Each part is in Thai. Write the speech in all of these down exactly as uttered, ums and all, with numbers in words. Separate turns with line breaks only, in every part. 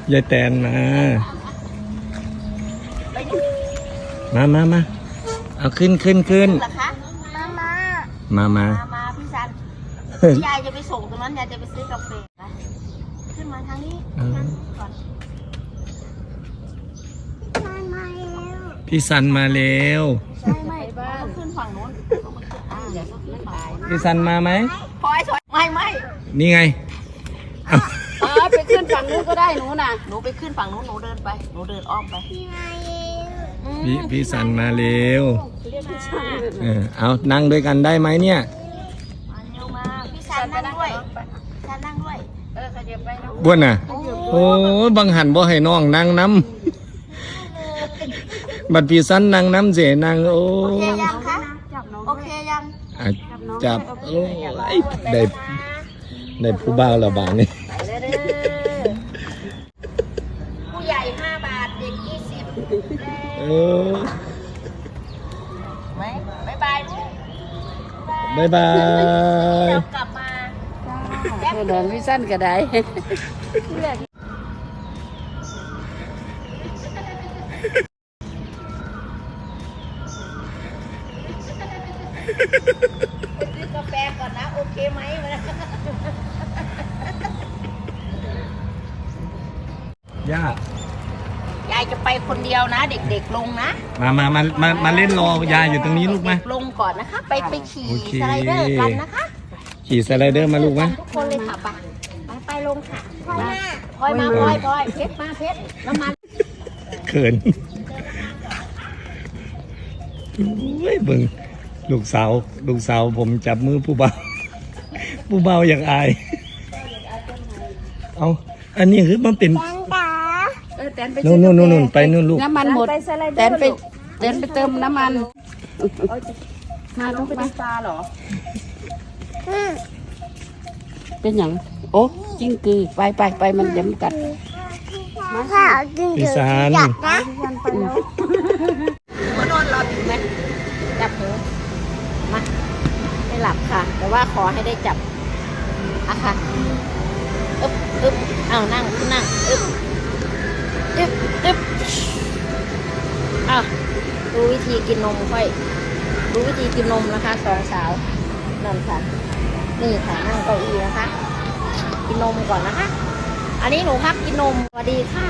ยายแตนมา มามามาเอาขึ้นขึ้นขึ้น
เหรอคะมามา
มามา
มามาพี่ซันยายจะไปส่งตรงนั้นยายจะไปซื้อกาแฟนะขึ้นมาทางนี้ทางนี้ก่อนมามาแล้ว
พี่สันมาแล้ว
ใช่ไหมบ้านขึ้นฝั่งโน้นอ่าเดี๋ยวก็ขึ้นไป
พี่สันมาไหม
พลอยถอยไม่ไม่
นี่ไง
อ๋อไปขึ้นฝั่งนู้นก็ได้หนูน่ะ
หนูไปขึ้นฝั่งโน้นหนูเดินไปหนูเดินอ้อมไปพี่มา
พี่พี่สันมาเร็ว
เรียกพี่ซัน
เออเอานั่งด้วยกันได้ไหมเนี่ย
มาเร็วมาพี่ซันนั่งด้วยซันนั่งด้วย
เออขยับไปนะ
บ้วนน่ะ โอ้ยบังหันบ่ให้น้องนั่งน้ำ บัดพี่สันนั่งน้ำเสนั่งโอ้
โอเคยังคะโอเคยัง
อ่ะจับโอ้ยได้ได้ผู้บ่าวและบาดนี่
ผู้ใหญ่ห้าบาทเด็กยี่สิบ
เออ
ไหมบ๊ายบายลูก
บายบาย
เดี๋ยวกลับมา
เออเดินพี่สั้นก็ได้
ไปซื้อกาแฟก่อนนะ โอเคไหมวะ
ย่าย
ายจะไปคนเดียวนะ เด็กๆลงนะ
มามามามามาเล่นรอยายอยู่ตรงนี้ลูกไหม
เด็ๆลงก่อนนะคะ ไปไปขี่
โอเค
สไลเดอร์กันนะคะ
ขี่สไลเดอร์มาลูกไหม
ทุกคนเลยค่ะไปไปไปลงค่ะพลอยมาพลอยมาพลอยพลอยเพชรมาเพชรน้ำมัน
เขินเฮ้ยเบิ่งลูกสาวลูกสาวผมจับมือผู้เบาผู้เบาอยากอาย เอาอันนี้คือมันเป็น
เออแตนไป
นู่นนู่นนู่นไปนู่นลูก
น้ำมันหมดแตนไปแตนไปเติมน้ำมันมาต้องไปดูปลาเหรอเป็นอย่างโอ้จิ้งกือไปไปไปมันเดี๋ยวมันกัด
พี่สาร
มานอนรอถึงไหมจับหูมาไม่หลับค่ะ แต่ว่าขอให้ได้จับอะค่ะอึ๊บอึ๊บเอานั่งนั่งอึ๊บอึ๊บอึ๊บอ้าวดูวิธีกินนมค่อยดูวิธีกินนมนะคะสองสาวนั่นค่ะนี่ค่ะนั่งเก้าอี้นะคะ กินนมก่อนนะคะ อันนี้หนูพักกินนมสวัสดีค่ะ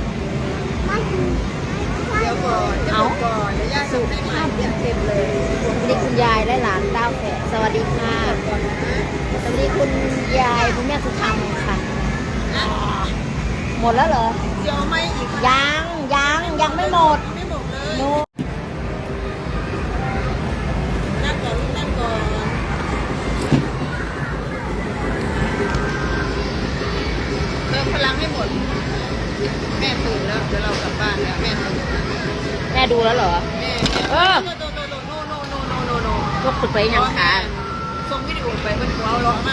เดี๋ยวก่อนเดี๋ยวก่อนเดี๋ยวย่าสูบให้มาเต็มเต็มเลย
สวัสดีคุณยายและหลานเต้าแฝดสวัสดีค่ะสวัสดีคุณยายคุณแม่สุธรรมค่ะหมดแล้วเหรอ
เดี๋ยวไม่อีก
ยังยังยังไม่หมด
ไม่หมดเลย
โน
นั่งก่อนลูกนั่งก่อนเติมพลังให้หมดแม่ตื่นแล้วเดี๋ยวเรากลับบ้านแล้วแม่ตื่น
แม่ดูแล้วเหรอ
แม่
เออ
โนโนโนโนโนโนโนโนโน
ยกขึ้นไปยังคะ
ส่งวิดีโอไปเป็นว้าวร้อนมาก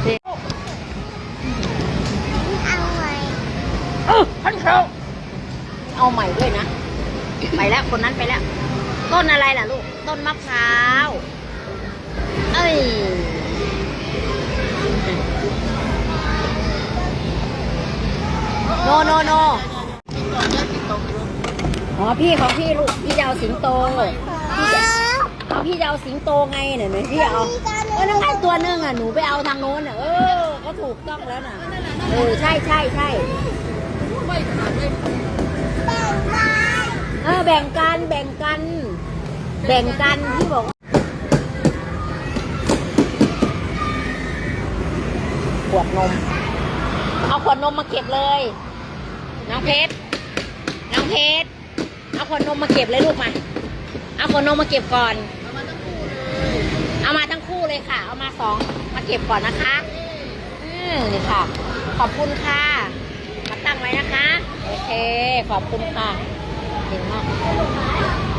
เออท่านเขาเอาใหม่ด้วยนะ ไปแล้วคนนั้นไปแล้ว ต้นอะไรล่ะลูก ต้นมะพร้าวเอ้ยโนโนโน
ก่อนแม่ติดตกอยู่
อ๋อพี่ของพี่ลูกพี่จะเอาสิงโตพี่จะเอาพี่จะเอาสิงโตไงเนี่ยหนูพี่เอาเออนั่งไงตัวนึงอ่ะหนูไปเอาทางโน้นอ่ะเออก็ถูกต้องแล้วน่ะเออใช่ใช่ใช่
ไม่ขนาดไม่
เออแบ่งกันแบ่งกัน แบ่งกันพี่บอกขวดนมเอาขวดนมมาเก็บเลยน้องเพชรน้องเพชรเอาขวดนมมาเก็บเลยลูกมาเอาขวดนมมาเก็บก่อนเอามาทั้งคู่เลยค่ะ เอามาสองมาเก็บก่อนนะคะอืมนี่ค่ะ ขอบคุณค่ะมาตั้งไว้นะคะโอเคขอบคุณค่ะเก่งมาก